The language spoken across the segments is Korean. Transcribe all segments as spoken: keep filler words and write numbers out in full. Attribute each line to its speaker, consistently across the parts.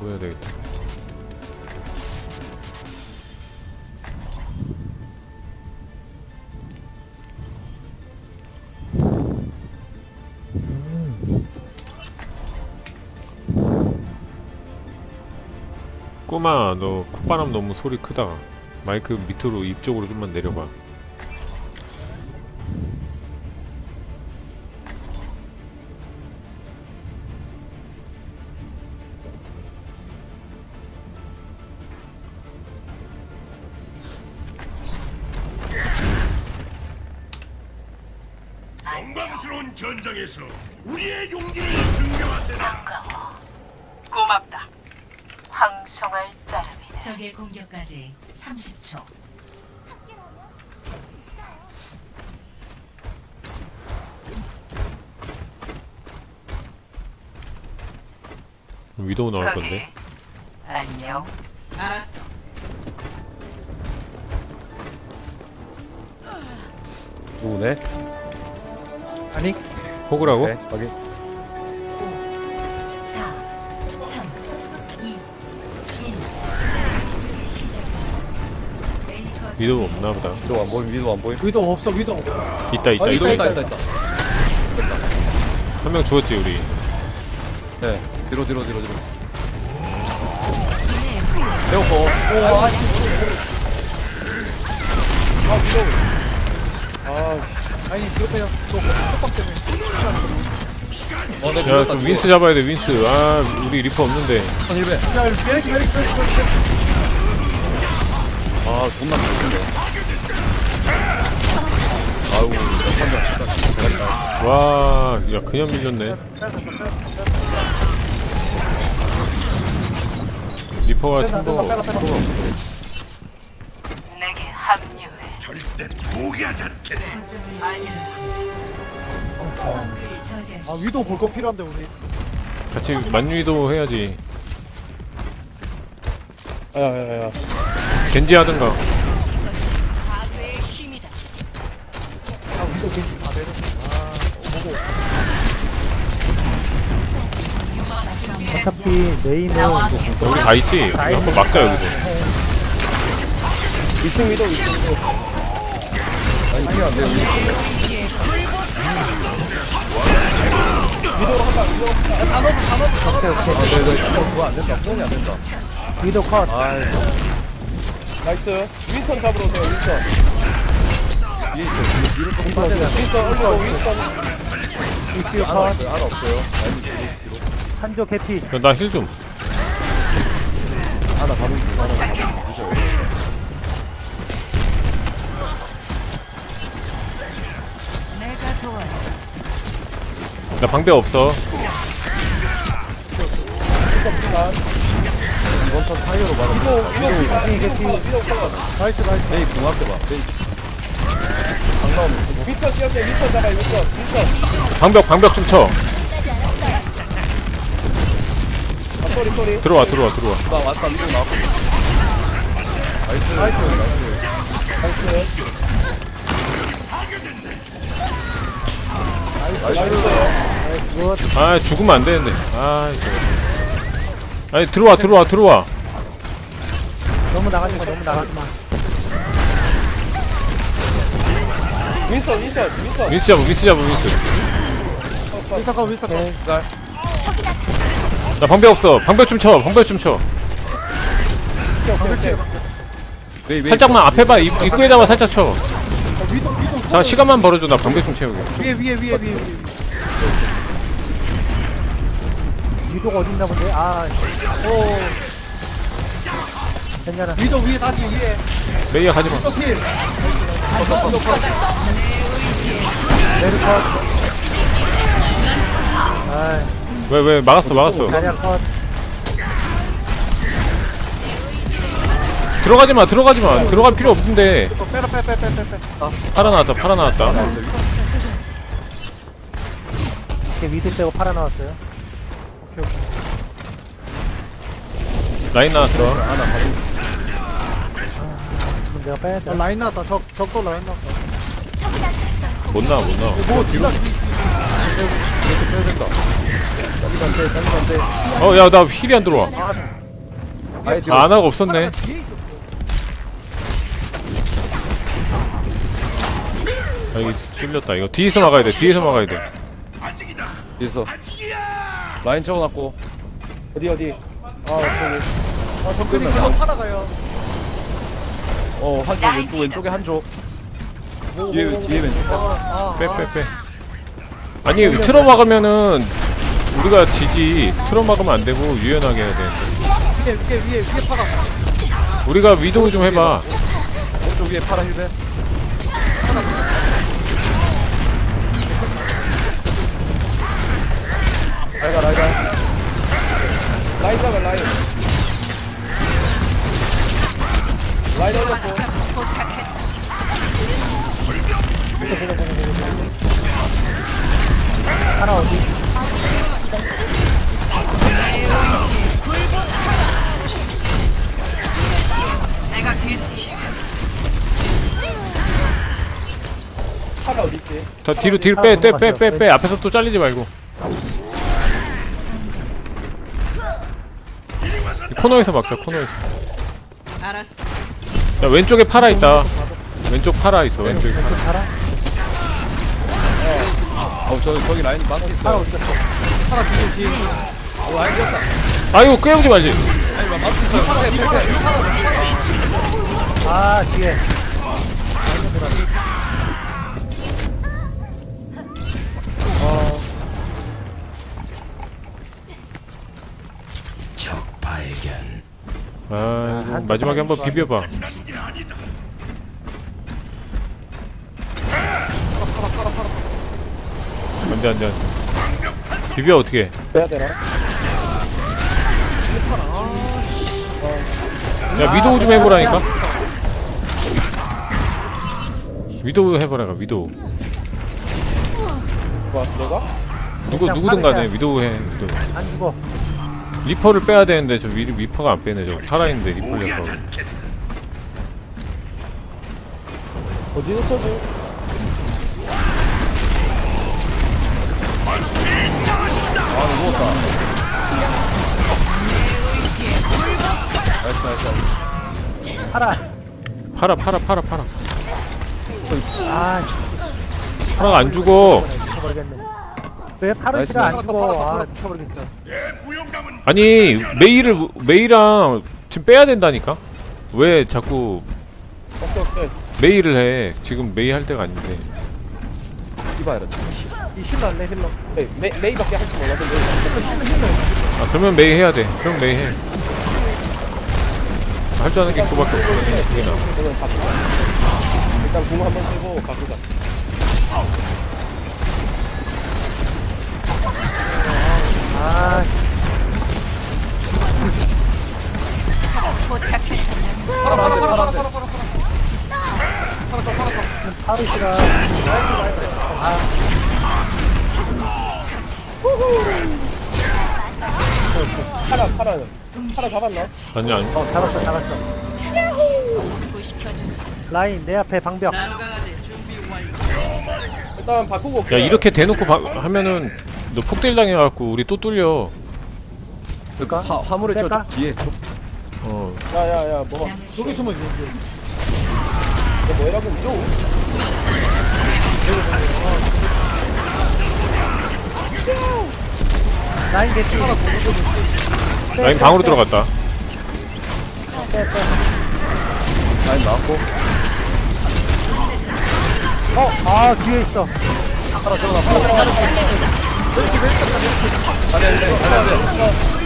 Speaker 1: 해야 되겠다. 꼬마, 너 콧바람 너무 소리 크다. 마이크 밑으로 입 쪽으로 좀만 내려봐.
Speaker 2: 영광스러운 전장에서 우리의 용기를 증명하세라.
Speaker 3: 반가워. 고맙다. 황송할 따름이네.
Speaker 4: 적의 공격까지 삼십 초.
Speaker 1: 위도우 나올
Speaker 3: 거기.
Speaker 1: 건데.
Speaker 3: 안녕. 알았어.
Speaker 5: 누구네? 아니
Speaker 1: 호그라고?
Speaker 5: 네 확인.
Speaker 4: 사, 삼, 이, 일. 시작.
Speaker 1: 위도우 없나보다.
Speaker 5: 위도 안 보임 위도 안 보임.
Speaker 6: 위도 없어 위도.
Speaker 1: 있다 있다
Speaker 6: 어,
Speaker 1: 있다.
Speaker 5: 있다 있다 있다.
Speaker 1: 한 명 죽었지 우리.
Speaker 5: 네 뒤로 뒤로 뒤로 뒤로. 배고파.
Speaker 6: 오 아씨. 아 위도. 아 아니 그렇대요. 또 속박 때문에.
Speaker 5: 어, 내
Speaker 1: 야 좀 윈스 잡아야 돼 윈스. 아 우리 리퍼 없는데.
Speaker 5: 일 배.
Speaker 6: 야 메리트 메리트 메리트 메리트.
Speaker 5: 아 존나 멋진데. 아우 판단 진짜.
Speaker 1: 와, 야 그냥 밀렸네. 리퍼가
Speaker 6: 빼다,
Speaker 1: 탱커가
Speaker 6: 빼다, 빼다, 빼다.
Speaker 1: 탱커가 없어.
Speaker 3: 내게 합류해.
Speaker 2: 절대 포기하지 않겠네.
Speaker 4: 거점을 알려주세요. 저지하십시오.
Speaker 6: 아 위도 볼 거 필요한데 우리.
Speaker 1: 같이 만위도 해야지.
Speaker 5: 야야야.
Speaker 1: 겐지 하든가.
Speaker 3: 파괴의 힘이다.
Speaker 6: 아 위도 괜히 다 내려.
Speaker 7: 어차피 메인은
Speaker 1: 여기 다 있지. 우리 한번 막자 여기서.
Speaker 5: 이층 위도 이층 위도. 아니 이게 안 돼.
Speaker 6: 다 넣어도 다 넣어도 다 넣어도.
Speaker 5: 아 네네. 그거 안 된다. 폰이 안 된다.
Speaker 7: 위도 컷.
Speaker 5: 아이. 나이스. 윈스턴 잡으러 오세요. 윈스턴. 위에 있어. 위로 조금 빠져야 돼. 윈스턴 얼른 윈스턴.
Speaker 7: 이슈
Speaker 5: 하나
Speaker 7: 컷.
Speaker 5: 없어요. 하나 없어요. 아니 뒤로 뒤로.
Speaker 7: 한조 캐피.
Speaker 1: 나 힐 좀.
Speaker 5: 하나 가는 중. 하나 가는 중.
Speaker 3: 내가 도와줘.
Speaker 1: 나 방배 없어.
Speaker 5: 이번 턴 타이어로 막아.
Speaker 7: 캐피 캐피.
Speaker 6: 나이스 나이스.
Speaker 5: 메이 궁 앞에 봐. 메이. 강 나오면 쓰고. 윈스턴 뛰었어요. 윈스턴 잡아. 윈스턴. 윈스턴.
Speaker 1: 방벽 방벽 좀 쳐.
Speaker 5: 아 쏘리 쏘리.
Speaker 1: 들어와 들어와 들어와.
Speaker 5: 나 왔다. 위로 나왔거든. 나이스. 나이스. 나이스. 나이스.
Speaker 1: 아 죽으면 안 되는데. 아 이거. 아니 들어와 들어와 들어와.
Speaker 7: 너무 나가지 마. 너무 나가지 마.
Speaker 5: 윈스턴 윈스턴 윈스턴.
Speaker 1: 윈스 잡아 윈스 잡아 윈스.
Speaker 6: 위스터 컷 위스터 컷.
Speaker 5: 나
Speaker 1: 나 방벽 없어. 방벽 좀 쳐. 방벽 좀 쳐.
Speaker 5: 메이 메이.
Speaker 1: 살짝만 앞에 봐. 입, 입구에다가 살짝 쳐.
Speaker 6: 위도 위도.
Speaker 1: 자 시간만 벌어줘. 나 방벽 좀 채우게.
Speaker 6: 위에 위에 위에 위에 위에.
Speaker 7: 위도가 어딨나 본데. 아
Speaker 6: 오
Speaker 7: 괜찮아.
Speaker 6: 위도 위에 다시 위에.
Speaker 1: 메이야 가지마.
Speaker 6: 위도 필.
Speaker 7: 메르 컷. 아
Speaker 1: 왜 왜 막았어 막았어.
Speaker 7: 자리야 컷.
Speaker 1: 들어가지마 들어가지마. 들어갈 필요 없는데.
Speaker 6: 또 빼라 빼 빼 빼 빼 빼.
Speaker 1: 팔아 나왔다 팔아 나왔다.
Speaker 7: 이렇게 위도 빼고 팔아 나왔어요.
Speaker 6: 오케이 오케이.
Speaker 1: 라인 나왔어.
Speaker 5: 하나 가는.
Speaker 7: 그럼 내가 빼야
Speaker 6: 어,
Speaker 7: 돼.
Speaker 6: 라인 나왔다. 적 적도 라인 나왔다.
Speaker 1: 못 나와 못 나와.
Speaker 6: 뭐 뒤로.
Speaker 5: 이렇게 빼야 된다. 잘리면 안돼 잘리면 안돼
Speaker 1: 어 야 나 힐이 안 들어와.
Speaker 5: 아예 뒤로
Speaker 1: 아, 아나가 없었네.
Speaker 6: 뒤에 있었어.
Speaker 1: 아 이거 찔렸다. 이거 뒤에서 막아야 돼. 뒤에서 막아야 돼.
Speaker 2: 아직이다.
Speaker 5: 있어
Speaker 2: 아직이야.
Speaker 5: 라인 채워놨고 어디 어디 아 저기
Speaker 6: 아, 정근이 계속 팔아가요.
Speaker 5: 어 한쪽 왼쪽 왼쪽에 한쪽 뒤에 뒤에 왼쪽
Speaker 6: 아, 아,
Speaker 1: 빼 빼 빼. 아니 틀어 막으면은 우리가 지지. 틀어 막으면 안 되고 유연하게 해야 돼.
Speaker 6: 위에, 위에, 위에, 위에 팔아.
Speaker 1: 우리가 위도우 좀 해봐.
Speaker 5: 오른쪽 위에 파라 힐베 라이가 라이가 라인 잡아 라인 라인 올렸고
Speaker 3: 도착했다.
Speaker 7: 하나 어디?
Speaker 3: 내가 뒤에
Speaker 5: 파라 어디 있지?
Speaker 1: 자 뒤로 뒤로 빼 빼 빼 빼 빼. 앞에서 또 잘리지 말고. 이 코너에서 막자. 코너에서.
Speaker 3: 알았어.
Speaker 1: 야 왼쪽에 파라 있다. 왼쪽 파라 있어. 왼쪽에 파라.
Speaker 7: 하나?
Speaker 5: 어, 저 저기 라인 망치 있어요.
Speaker 6: 팔아 뒤에, 뒤에.
Speaker 5: 어, 라인 뛰었다.
Speaker 1: 아이고 깨우지 말지.
Speaker 5: 아니, 망치 있어요. 패, 패, 패.
Speaker 7: 아, 뒤에.
Speaker 2: 적 발견.
Speaker 1: 아 마지막에 한번 비벼봐. 안돼 안돼 안돼. 비벼 어떻게?
Speaker 5: 빼야 되나?
Speaker 1: 야 위도우 좀 해보라니까. 위도우 해보라가 위도우.
Speaker 5: 뭐 들어가?
Speaker 1: 누구 누구든 간에 위도우 해. 위도우.
Speaker 7: 안 죽어.
Speaker 1: 리퍼를 빼야 되는데 저 위, 리퍼가 안 빼네. 저 살아있는데 리퍼 녀석.
Speaker 5: 어디서 써줘? 아, 누웠다. 나이스, 나이스, 나이스.
Speaker 7: 하나.
Speaker 1: 팔아 팔아 팔아 팔아.
Speaker 7: 아,
Speaker 1: 파라가 안 죽어.
Speaker 7: 미쳐버리겠네. 왜
Speaker 5: 나이스.
Speaker 7: 파르시가 안 죽어? 아, 미쳐버리겠어.
Speaker 2: 내 부용감은
Speaker 1: 아니 메이를 메이랑 지금 빼야 된다니까. 왜 자꾸
Speaker 5: 오케이, 오케이.
Speaker 1: 메이를 해? 지금 메이 할 때가 아닌데.
Speaker 5: 이봐야 돼.
Speaker 6: 이 힐러 할래, 힐러.
Speaker 5: 메이, 메이, 메이밖에 할 줄 몰랐는데.
Speaker 1: 아 그러면 메이 해야 돼. 그럼 메이 해. 할 줄 아는 게 그거밖에 없어. 그게 나.
Speaker 5: 그러면 바꾸자. 일단 공 한번 쓰고 바꾸자.
Speaker 7: 아,
Speaker 3: 도착했다.
Speaker 6: 팔아, 팔아, 팔아, 팔아, 팔아, 팔아.
Speaker 7: 파르시가.
Speaker 5: 파라, 파라. 파라 잡았나?
Speaker 1: 아니 아니.
Speaker 7: 어, 잡았어, 잡았어.
Speaker 3: 구시켜주지.
Speaker 7: 라인, 내 앞에 방벽.
Speaker 5: 일단 바꾸고
Speaker 1: 야
Speaker 5: 올게요.
Speaker 1: 이렇게 대놓고 바, 하면은 너 폭딜 당해갖고 우리 또 뚫려.
Speaker 7: 볼까?
Speaker 5: 화, 화물에 저
Speaker 7: 뺄까?
Speaker 5: 뒤에.
Speaker 1: 어.
Speaker 5: 야, 야, 야, 뭐.
Speaker 6: 여기 숨어, 여기.
Speaker 5: 너 뭐라고 믿어?
Speaker 7: 라인 개티.
Speaker 1: 라인 방으로 들어갔다.
Speaker 5: 라인 나왔고.
Speaker 7: 어, 아, 뒤에 있어.
Speaker 5: 파라 들어가, 파라 들어가. 잘해, 안 돼, 잘해, 안 돼.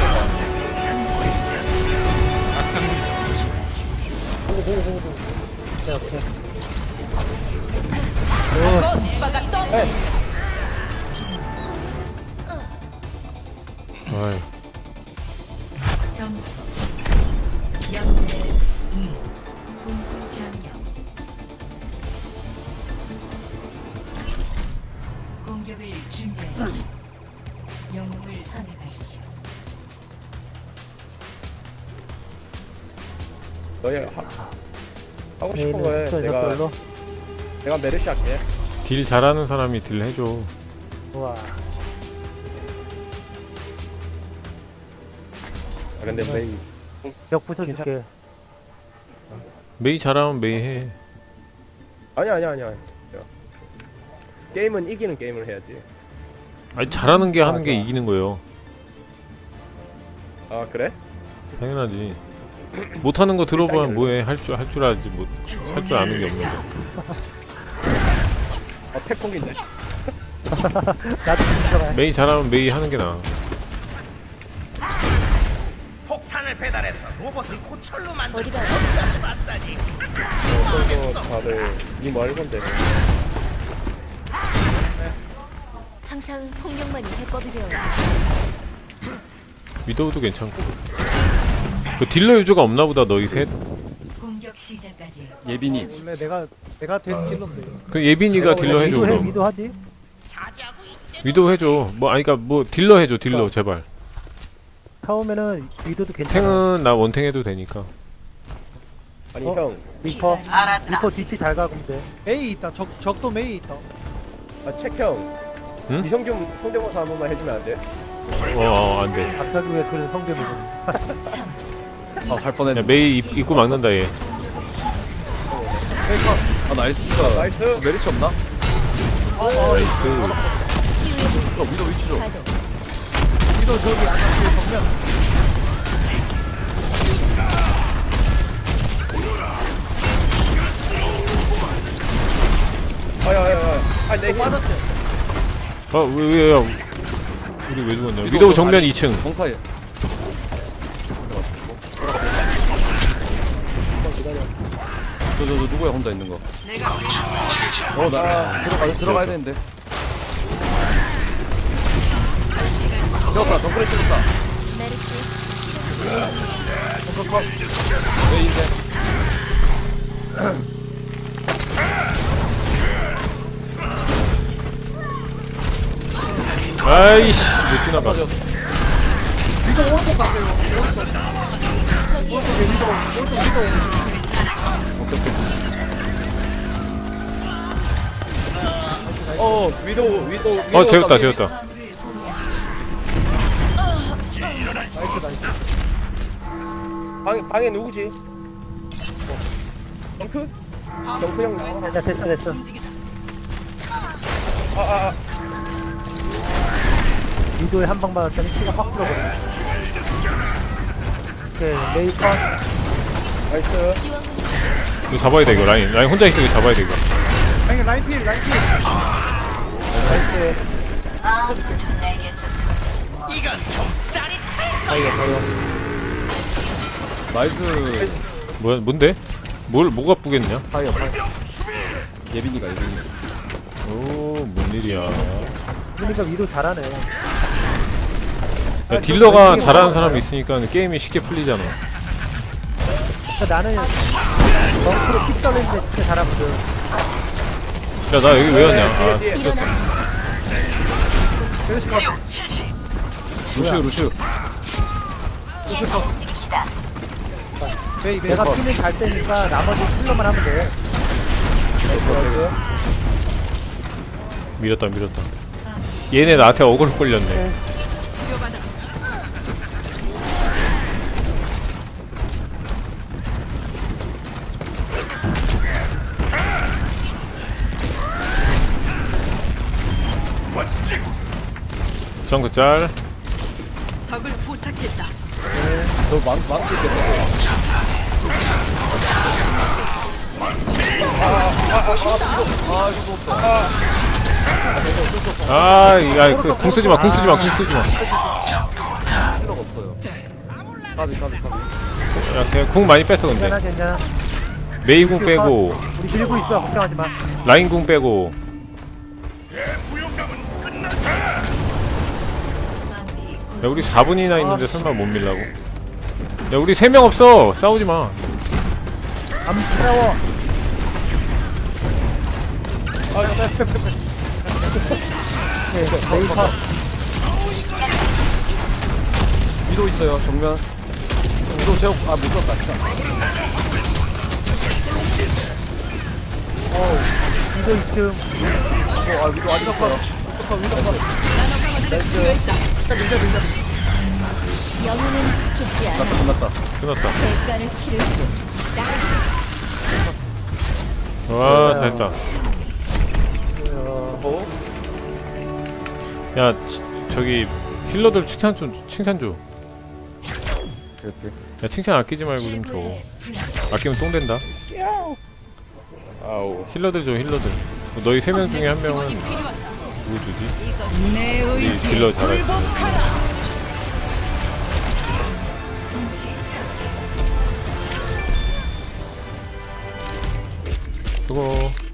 Speaker 7: 오케이, 오케이.
Speaker 1: 아이.
Speaker 4: 점수 영대 이 공수 변경 공격을 준비하십시오. 영웅을 선택하십시오.
Speaker 5: 너희 하, 하고 싶은
Speaker 7: 메인은
Speaker 5: 거에
Speaker 7: 저
Speaker 5: 내가
Speaker 7: 저걸로.
Speaker 5: 내가 메르시 할게.
Speaker 1: 딜 잘하는 사람이 딜 해줘.
Speaker 7: 우와.
Speaker 5: 아 근데 메이
Speaker 7: 벽 부숴줄게.
Speaker 1: 메이 잘하면 메이 해.
Speaker 5: 아니야 아니야 아니야. 야. 게임은 이기는 게임을 해야지.
Speaker 1: 아니 잘하는 게 하는 게
Speaker 7: 맞아.
Speaker 1: 이기는 거예요.
Speaker 5: 아 그래?
Speaker 1: 당연하지. 못하는 거 들어보면 뭐해. 할 줄 할 줄 알지 뭐 할 줄 아는 게 없는 거.
Speaker 5: 아 태풍인데.
Speaker 7: 나도 들어가.
Speaker 1: 메이 잘하면 메이 하는 게 나아.
Speaker 2: 폭탄을 배달해서 로봇을 고철로 만들
Speaker 8: 어디가
Speaker 2: 것까지 맞다니.
Speaker 5: 그래서 다들 니뭐 할 건데?
Speaker 8: 항상 폭력만이 해법이 되어
Speaker 1: 위도우도 괜찮고. 그 딜러 유저가 없나 보다 너희 셋.
Speaker 4: 공격 시작까지
Speaker 6: 예빈이 원래 내가 내가 된 딜러인데
Speaker 1: 그 예빈이가 딜러 해줘
Speaker 7: 위도 해,
Speaker 1: 그럼.
Speaker 7: 위도 하지.
Speaker 1: 위도우 해줘. 뭐 아니 그니까 뭐 딜러 해줘 딜러 제발.
Speaker 7: 처음에는 위도도 괜찮아.
Speaker 1: 탱은 나 원탱 해도 되니까.
Speaker 5: 아니
Speaker 7: 어?
Speaker 5: 형.
Speaker 7: 리퍼.
Speaker 3: 알았다.
Speaker 7: 리퍼 뒤치 잘 가면 돼.
Speaker 6: 메이 있다. 적 적도 메이 있다.
Speaker 5: 아 책형.
Speaker 1: 응?
Speaker 5: 이성 좀 성대모사 한 번만 해주면 안 돼?
Speaker 1: 어, 어 안돼.
Speaker 7: 갑자기 왜 그런 성대모사.
Speaker 6: 아갈
Speaker 1: 야
Speaker 6: 뻔했네.
Speaker 1: 메이 입, 입구 막는다 얘.
Speaker 6: 아 나이스.
Speaker 5: 나이스.
Speaker 6: 메리츠 없나?
Speaker 1: 나이스.
Speaker 6: 어 위도 위치로.
Speaker 8: 가도
Speaker 6: 위도 저기 아까 그 정면.
Speaker 5: 아야야야. 아내 힘.
Speaker 6: 빠졌지.
Speaker 1: 어왜 왜야? 우리 왜 죽었냐? 위도우 정면 이 층.
Speaker 6: 공사에. 저저 저 누구야 혼자 있는 거?
Speaker 3: 내가
Speaker 6: 어나 들어가 들어가야 되는데. 찍었다 덩그레 찍었다.
Speaker 8: 메르시
Speaker 6: 컷컷컷. 왜 인데?
Speaker 1: 아이씨 못 지나가.
Speaker 6: 위도 오른쪽 갔어요.
Speaker 5: 어 위도 위도.
Speaker 1: 어 재웠다 재웠다.
Speaker 6: 나이스 나이스.
Speaker 5: 방 방에 누구지? 어. 정크? 정크 형 나와.
Speaker 7: 야 됐어 됐어.
Speaker 5: 아아 아.
Speaker 7: 위도에 한 방 맞았더니 피가 확 들어버려. 오케이 메이 컷.
Speaker 5: 나이스.
Speaker 8: 지원군
Speaker 1: 이거 잡아야 돼 이거 라인. 라인 혼자 있어 이거 잡아야 돼 이거.
Speaker 6: 아니 라인 필 라인 필.
Speaker 5: 나이스.
Speaker 2: 이건 좀 짜릿해.
Speaker 6: 다이가 다이가. 나이스.
Speaker 1: 뭐야 뭔데? 뭘 뭐가 뿌겠냐?
Speaker 6: 다이가 다이. 예빈이가 예빈이.
Speaker 1: 오뭔 일이야.
Speaker 7: 그러니까 위도 잘하네.
Speaker 1: 야, 딜러가 잘하는 사람이 있으니까 게임이 쉽게 풀리잖아.
Speaker 7: 그러니까 나는 덩크로 픽 떨리는데 진짜 잘하거든.
Speaker 1: 야 나 여기 왜 왔냐? 아,
Speaker 5: 뒤에, 뒤에.
Speaker 8: 일어났습니다.
Speaker 6: 메리츠 컷. 루시우 루시우. 메이 메이
Speaker 7: 내가
Speaker 6: 컷.
Speaker 7: 피는 잘 때니까 나머지 킬러만 하면 돼.
Speaker 1: 밀었다 밀었다. 얘네 나한테 어그로 끌렸네. 정크 짤.
Speaker 3: 적을 포착했다.
Speaker 6: 너 망, 망치 있겠다.
Speaker 1: 아, 야, 그, 궁 쓰지 마, 궁 쓰지 마, 궁 쓰지 마.
Speaker 6: 필요가 없어요. 까비, 까비, 까비.
Speaker 1: 야, 그냥 궁 많이 뺐어, 근데.
Speaker 7: 괜찮아 괜찮아.
Speaker 1: 메이 궁 빼고,
Speaker 7: 우리 밀고 있어 걱정하지 마.
Speaker 1: 라인 궁 빼고.
Speaker 2: 무용감은 끝났다.
Speaker 1: 야, 우리 사 분이나 있는데 설마 못 밀라고? 야, 우리 세 명 없어! 싸우지 마.
Speaker 7: 안 무서워. 네, 메이 컷.
Speaker 6: 위도 있어요, 정면. 위도 제어, 아, 못 썼다, 진짜.
Speaker 7: 위도 이쯤.
Speaker 6: 위도, 아, 위도 아직 있어요. 위도 컷, 위도 컷. 나이스. 밀자, 밀자, 밀자.
Speaker 8: 영혼은 죽지 않아.
Speaker 6: 끝났다.
Speaker 1: 끝났다.
Speaker 8: 대가를 치를 뿐.
Speaker 1: 와 잘했다.
Speaker 5: 어?
Speaker 1: 야 치, 저기 힐러들 칭찬 좀 칭찬 줘.
Speaker 6: 이렇게.
Speaker 1: 야 칭찬 아끼지 말고 좀 줘. 아끼면 똥 된다.
Speaker 5: 아우.
Speaker 1: 힐러들 줘 힐러들. 너희 세 명 중에 한 명은
Speaker 3: 지원이 필요하다.
Speaker 1: 누구 주지?
Speaker 3: 내
Speaker 1: 우리
Speaker 3: 의지에
Speaker 1: 딜러 잘할 때.
Speaker 3: 굴복하라.
Speaker 1: 수고.